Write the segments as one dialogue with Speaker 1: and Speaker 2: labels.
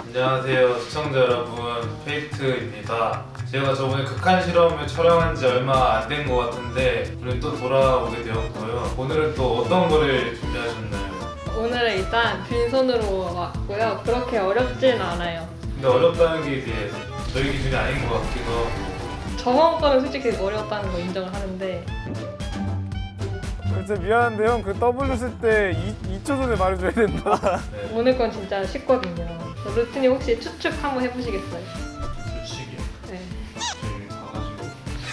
Speaker 1: 안녕하세요 시청자 여러분, 페이트입니다. 제가 저번에 극한 실험을 촬영한 지 얼마 안 된 것 같은데 오늘 또 돌아오게 되었고요. 오늘은 또 어떤 거를 준비하셨나요?
Speaker 2: 오늘은 일단 빈손으로 왔고요. 그렇게 어렵진 않아요.
Speaker 1: 근데 어렵다는 게 이제 저희 기준이 아닌 것 같기도 하고.
Speaker 2: 저번 거는 솔직히 어렵다는 거 인정을 하는데
Speaker 3: 진짜 미안한데 형 그 W 쓸 때 2초 전에 말해줘야 된다.
Speaker 1: 네.
Speaker 2: 오늘 건 진짜 쉽거든요. 루틴이 혹시 추측 한번 해보시겠어요?
Speaker 1: 솔직히요.
Speaker 2: 네.
Speaker 1: 저희 가가지고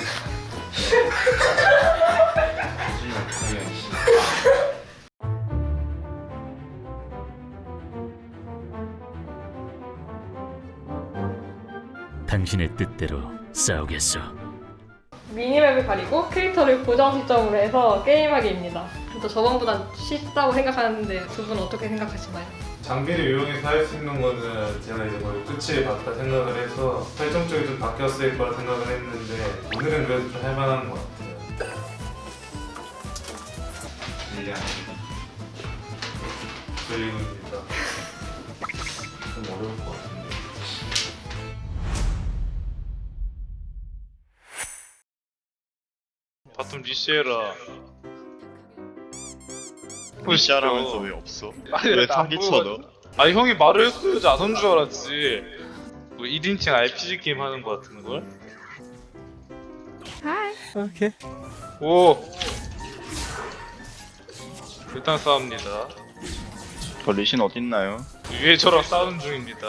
Speaker 4: 당신의 뜻대로 싸우겠어.
Speaker 2: 미니맵을 가리고 캐릭터를 고정 시점으로 해서 게임하기입니다. 또 저번보다 쉽다고 생각하는데 두 분 어떻게 생각하시나요?
Speaker 1: 장비를 이용해서 할 수 있는 거는 제가 이제 거의 끝을 봤다 생각을 해서 설정 쪽이 좀 바뀌었을 거라 생각을 했는데 오늘은 그래도 좀 할만한 것 같아요. 일량 그리고입니다. 좀 어려울 것 같은데.
Speaker 5: 바텀 리시에라.
Speaker 6: 리시하라면서 왜 없어?
Speaker 5: 아니,
Speaker 6: 왜
Speaker 5: 나안
Speaker 6: 사기
Speaker 5: 보고
Speaker 6: 쳐너?
Speaker 5: 아니 형이 말을 했어야지 안 온 줄 알았지. 뭐 1인칭 RPG 게임 하는 거 같은 걸?
Speaker 3: 오케이.
Speaker 5: 오. 일단 싸웁니다.
Speaker 6: 저 리신 어딨나요?
Speaker 5: 위에 저랑 싸우는 중입니다.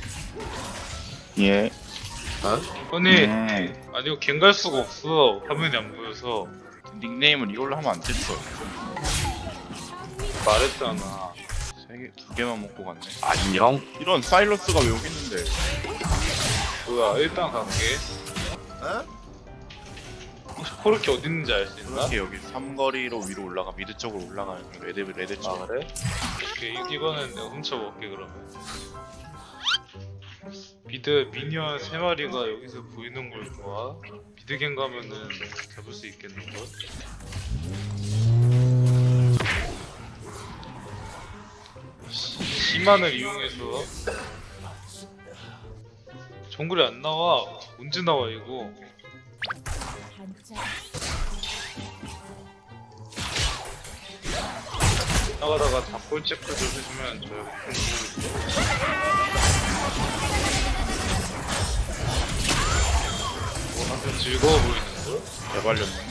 Speaker 6: 예.
Speaker 5: 아니
Speaker 6: 음.
Speaker 5: 이거 갱갈 수가 없어. 화면이 안 보여서.
Speaker 6: 닉네임을 이걸로 하면 안 됐어.
Speaker 5: 말했잖아.
Speaker 6: 두 개만 먹고 갔네.
Speaker 5: 안녕.
Speaker 6: 이런 사일러스가 왜 여기 있는데?
Speaker 5: 뭐야 일단 갈게. 혹시 코르키 어디 있는지 알 수 있나?
Speaker 6: 이렇게 여기 삼거리로 위로 올라가 미드 쪽으로 올라가요. 레드 쪽.
Speaker 5: 아 그래? 오케이 이거는 내가 훔쳐볼게 그러면. 비드 미니언 3마리가 여기서 보이는 걸 좋아. 비드갱 가면은 잡을 수 있겠는걸? 시만을 이용해서 정글이 안 나와. 언제 나와 이거? 나가다가 닭골 체크를 해주면 저 아주 즐거워 보이는걸?
Speaker 6: 개발렸네.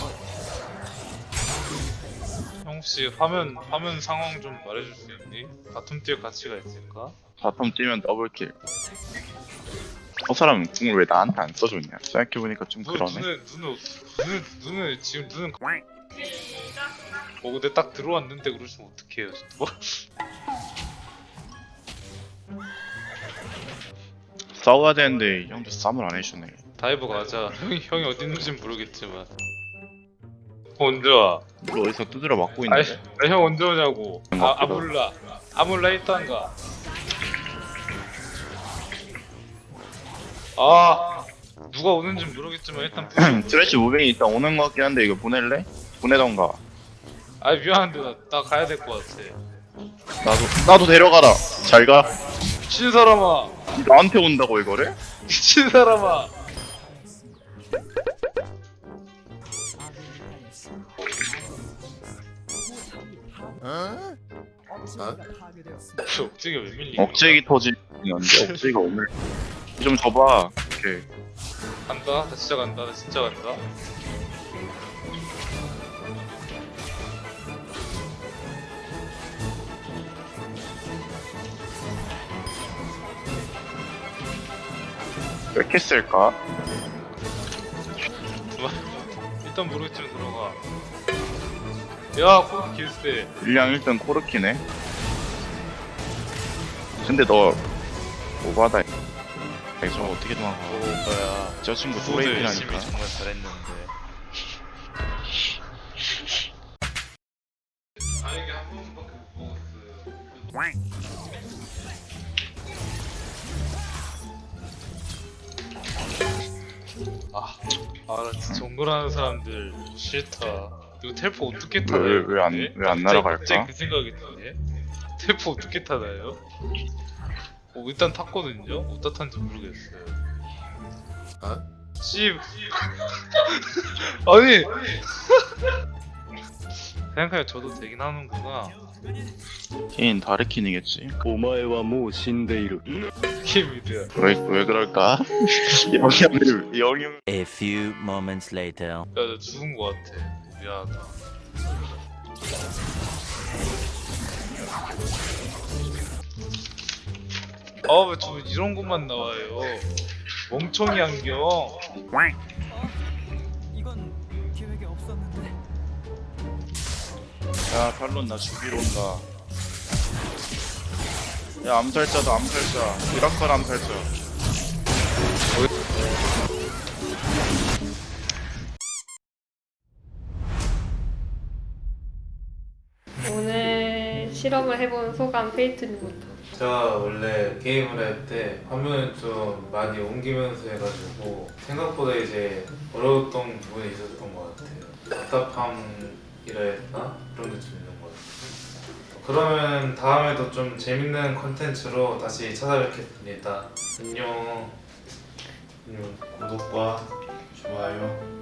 Speaker 5: 형 혹시 화면 상황 좀 말해줄 수 있니? 바텀 뛸 가치가 있을까?
Speaker 6: 바텀 뛰면 더블킬. 저 사람 궁을 왜 나한테 안 써줬냐? 생각해보니까 좀 그러네.
Speaker 5: 눈을 지금 눈은 근데 딱 들어왔는데 그러시면 어떡해요 뭐?
Speaker 6: 싸워야 되는데 형도 싸움을 안 해주네.
Speaker 5: 다이브 가자. 형이 어디 있는지는 모르겠지만 언제 와?
Speaker 6: 너 어디서 두드려 맞고
Speaker 5: 아니
Speaker 6: 있는데?
Speaker 5: 형 언제 오냐고.
Speaker 6: 맞다.
Speaker 5: 아몰라 일단가. 아 누가 오는지 모르겠지만 일단
Speaker 6: 트래쉬 무빙이 일단 오는 것 같긴 한데 이거 보낼래? 보내던가.
Speaker 5: 아 미안한데 나 가야 될 것 같아.
Speaker 6: 나도 데려가라. 잘 가.
Speaker 5: 미친 사람아.
Speaker 6: 나한테 온다고 이거를?
Speaker 5: 미친 사람아. 억지가 왜 밀리냐?
Speaker 6: 억제기 터지는데 억제기가 오늘 좀 줘봐. 오케이.
Speaker 5: 간다. 나 진짜 간다. 나 진짜 간다.
Speaker 6: 왜 이렇게 쓸까?
Speaker 5: 일단 모르겠지만 들어가. 야, 코르키 길세.
Speaker 6: 일량 1등 코르키네. 근데 너 오바다. 저 어떻게 도망가?
Speaker 5: 뭐야?
Speaker 6: 저 친구
Speaker 5: 구호도 열심히
Speaker 6: 소레이피라니까.
Speaker 5: 정말 잘했는데. 아 이게 한 번밖에 못 먹었어요. 나 진짜 정글하는 사람들 싫다. 이거 텔포 어떻게 타나요?
Speaker 6: 왜 안 날아갈까?
Speaker 5: 갑자기 그 생각이 드네. 텔포 어떻게 타나요? 일단 탔거든요? 어디다 탄지 모르겠어요.
Speaker 7: 아?
Speaker 5: 씨. 아니. 생각하면 저도 되긴 하는구나.
Speaker 6: 케인 다르킨이겠지.
Speaker 8: お前はもう死んでいる。
Speaker 5: 키미드야.
Speaker 6: 왜 그럴까? 영향을
Speaker 9: A few moments later.
Speaker 5: 야, 나 죽은 거 같아. 미안하다. 아, 왜 저 이런 것만 나와요? 멍청이 안경.
Speaker 6: 야 탈론 나 죽이러 온다. 야 암살자다 암살자. 미라클 암살자.
Speaker 2: 오늘 실험을 해본 소감 페이트님부터.
Speaker 1: 제가 원래 게임을 할 때 화면을 좀 많이 옮기면서 해가지고 생각보다 이제 어려웠던 부분이 있었던 것 같아요. 답답함이라 했나? 그런 게 좀 있는 것 같아요. 그러면 다음에도 좀 재밌는 컨텐츠로 다시 찾아뵙겠습니다. 안녕. 구독과 좋아요